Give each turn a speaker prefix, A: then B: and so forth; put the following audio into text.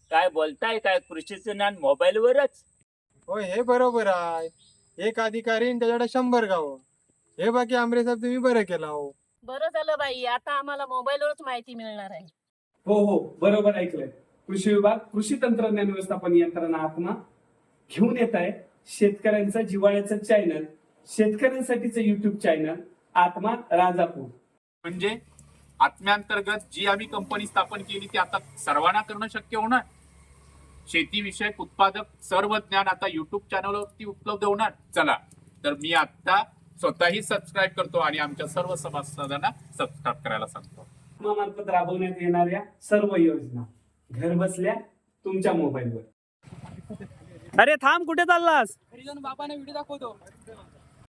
A: काय बोलताय काय कृषीचं ज्ञान मोबाईलवरच?
B: होय हे बरोबर आहे. एक अधिकारी आणि त्याच्याकडे 100 गावं. हे बाकी आमरे साहेब तुम्ही बरं केला हो.
C: बरं झालं बाई, आता आम्हाला मोबाईलवरच माहिती मिळणार आहे.
D: हो हो बरोबर ऐकलंय. कृषी विभाग कृषी तंत्रज्ञान व्यवस्थापन यंत्रणा आत्मा घेऊन येत आहे शेतकऱ्यांचं जिव्हाळ्याचं चॅनल, शेतकऱ्यांसाठीचं युट्यूब चॅनल आत्मा राजापूर.
E: म्हणजे आत्म्यांतर्गत जी आम्ही कंपनी स्थापन केली ती आता सर्वांना करणं शक्य होणार. शेतीविषयक उत्पादक सर्व ज्ञान आता युट्यूब चॅनलवरती उपलब्ध होणार. चला तर मी आता स्वतःही सबस्क्राईब करतो आणि आमच्या सर्व सभासदांना सबस्क्राईब करायला सांगतो.
D: मार्फत राबवण्यात येणाऱ्या सर्व योजना घर बसल्या तुमच्या मोबाईलवर.
F: अरे थांब, कुठे चाललास?
G: घरी जाऊन बाबांना व्हिडिओ दाखवतो.